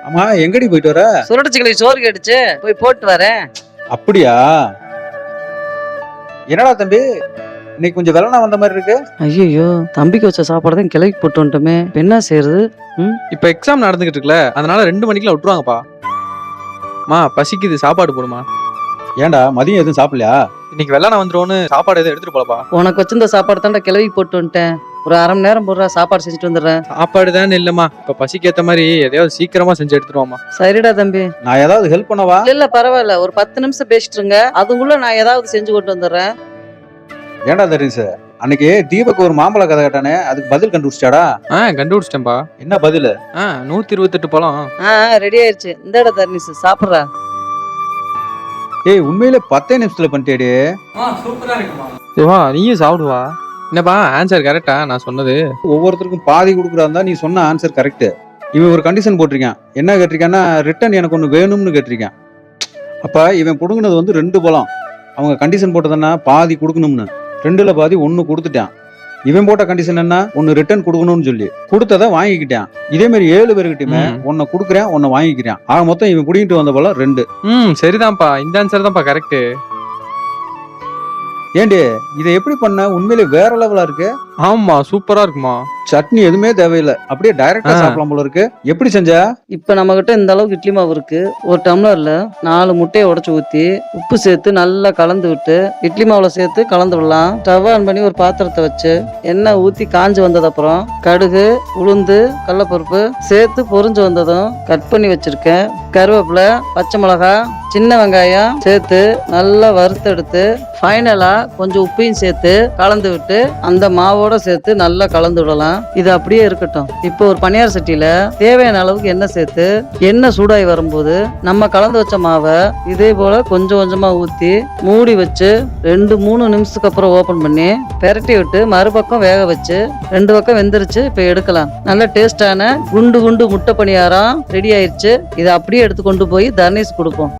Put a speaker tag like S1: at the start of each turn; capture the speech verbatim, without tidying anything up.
S1: ஆமா, எங்கடி போயிட்டு வர?
S2: சுரட்டச்சிக்கலை சோறு கேட்டுச்சு, போய் போட்டு வரேன்.
S1: அப்படியா? என்னடா தம்பி, இன்னைக்கு கொஞ்சம் வெள்ளனா வந்த மாதிரி இருக்கு.
S2: ஐயோ, தம்பிக்கு வச்ச சாப்பாடு தான் கிளவி போட்டு வந்துட்டோமே, இப்ப என்ன செய்யறது? ம்
S3: இப்ப எக்ஸாம் நடந்துகிட்டு இருக்குல்ல, அதனால ரெண்டு மணிக்கெல்லாம் விட்டுருவாங்கப்பா. மா பசிக்குது, சாப்பாடு போடுமா.
S1: ஏன்டா மதியம் எதுவும் சாப்பிடலையா?
S3: இன்னைக்கு வெள்ளனா வந்துருவோன்னு சாப்பாடு எதுவும் எடுத்துட்டு போலப்பா.
S2: உனக்கு வச்சிருந்த சாப்பாடு தான்டா கிளவி போட்டு வந்துட்டேன். ஒரு அரை மணி நேரம் போடுறா, சாப்பாடு செஞ்சுட்டு வந்துடுறேன்.
S3: சாப்பாடு தான் இல்லம்மா, இப்ப பசிக்கு ஏத்த மாதிரி எதையாவது சீக்கிரமா செஞ்சு எடுத்துருவாமா.
S2: சரிடா தம்பி.
S1: நான் ஏதாவது ஹெல்ப் பண்ணவா?
S2: இல்ல இல்ல பரவாயில்ல, ஒரு பத்து நிமிஷம் பேசிட்டு இருங்க, அதுக்குள்ள நான் ஏதாவது செஞ்சு கொண்டு வந்துடுறேன்.
S1: ஏன்டா தரிசு, அன்னைக்கு தீபக் ஒரு மாம்பழ கதை கேட்டானே, அதுக்கு பதில் கண்டுபிடிச்சாடா?
S3: ஆ கண்டுபிடிச்சிட்டேன்பா.
S1: என்ன பதில்?
S3: ஆ நூத்தி இருபத்தெட்டு பழம்.
S2: ஆ ரெடி ஆயிடுச்சு, இந்த இடம் தர்னிஸ் சாப்பிட்றா.
S1: ஏய், உண்மையிலே பத்தே நிமிஷத்துல பண்ணிட்டேடி.
S3: சூப்பரா இருக்குமா. சிவா நீயும் சாப்பிடுவா. என்னப்பா ஆன்சர் கரெக்டா நான் சொன்னது?
S1: ஒவ்வொருத்தருக்கும் பாதி கொடுக்குறாருந்தா நீ சொன்ன ஆன்சர் கரெக்ட். இவன் ஒரு கண்டிஷன் போட்டிருக்கான். என்ன கேட்டிருக்கான்னா, ரிட்டன் எனக்கு ஒன்று வேணும்னு கேட்டிருக்கான். அப்ப இவன் கொடுக்குனது வந்து ரெண்டு பழம். அவங்க கண்டிஷன் போட்டதுன்னா பாதி கொடுக்கணும்னு, ரெண்டுல பாதி ஒன்னு கொடுத்துட்டான். இவன் போட்ட கண்டிஷன் என்ன, ஒன்னு ரிட்டர்ன் கொடுக்கணும்னு சொல்லி கொடுத்ததை வாங்கிக்கிட்டான். இதே மாதிரி ஏழு பேருக்கிட்டுமே ஒன்ன கொடுக்குறேன், ஒன்ன வாங்கிக்கிறேன். ஆக மொத்தம் இவன் புடிங்கிட்டு வந்த பழம் ரெண்டு.
S3: ம் சரிதான்ப்பா, இந்த ஆன்சர் தான்ப்பா கரெக்ட்.
S1: ஏண்டி இதை எப்படி பண்ண? உண்மையிலே வேற லெவலா இருக்கு.
S3: ஆமா சூப்பரா இருக்குமா.
S1: சட்னி எதுவுமே தேவையில்லை, அப்படியே டைரக்டா சாப்பிடலாம் போல இருக்கு. எப்படி செஞ்ச?
S2: இப்ப நம்ம கிட்ட இந்த அளவுக்கு இட்லி மாவு இருக்கு. ஒரு டம்ளர்ல நாலு முட்டையை உடைச்சு ஊத்தி உப்பு சேர்த்து நல்லா கலந்து விட்டு இட்லி மாவுல சேர்த்து கலந்து விடலாம். ஸ்டவ் ஆன் பண்ணி ஒரு பாத்திரத்தை வச்சு எண்ணெய் ஊத்தி காஞ்சு வந்தது அப்புறம் கடுகு, உளுந்து, கடலப்பருப்பு சேர்த்து பொரிஞ்சு வந்ததும் கட் பண்ணி வச்சிருக்கேன் கருவேப்பிலை, பச்சை மிளகாய், சின்ன வெங்காயம் சேர்த்து நல்லா வறுத்தெடுத்து ஃபைனலா கொஞ்சம் உப்பையும் சேர்த்து கலந்து விட்டு அந்த மாவோட சேர்த்து நல்லா கலந்து விடலாம். இது அப்படியே இருக்கட்டும். இப்போ ஒரு பனியார சட்டியில தேவையான அளவுக்கு எண்ணெய் சேர்த்து எண்ணெய் சூடாகி வரும்போது நம்ம கலந்து வச்ச மாவை இதே போல கொஞ்சம் கொஞ்சமா ஊத்தி மூடி வச்சு ரெண்டு மூணு நிமிஷத்துக்கு அப்புறம் ஓபன் பண்ணி பெரட்டி விட்டு மறுபக்கம் வேக வச்சு ரெண்டு பக்கம் வெந்துருச்சு. இப்போ எடுக்கலாம். நல்ல டேஸ்டான குண்டு குண்டு முட்டை பணியாரம் ரெடி ஆயிடுச்சு. இதை அப்படியே எடுத்து கொண்டு போய் தர்னேஷ் கொடுப்போம்.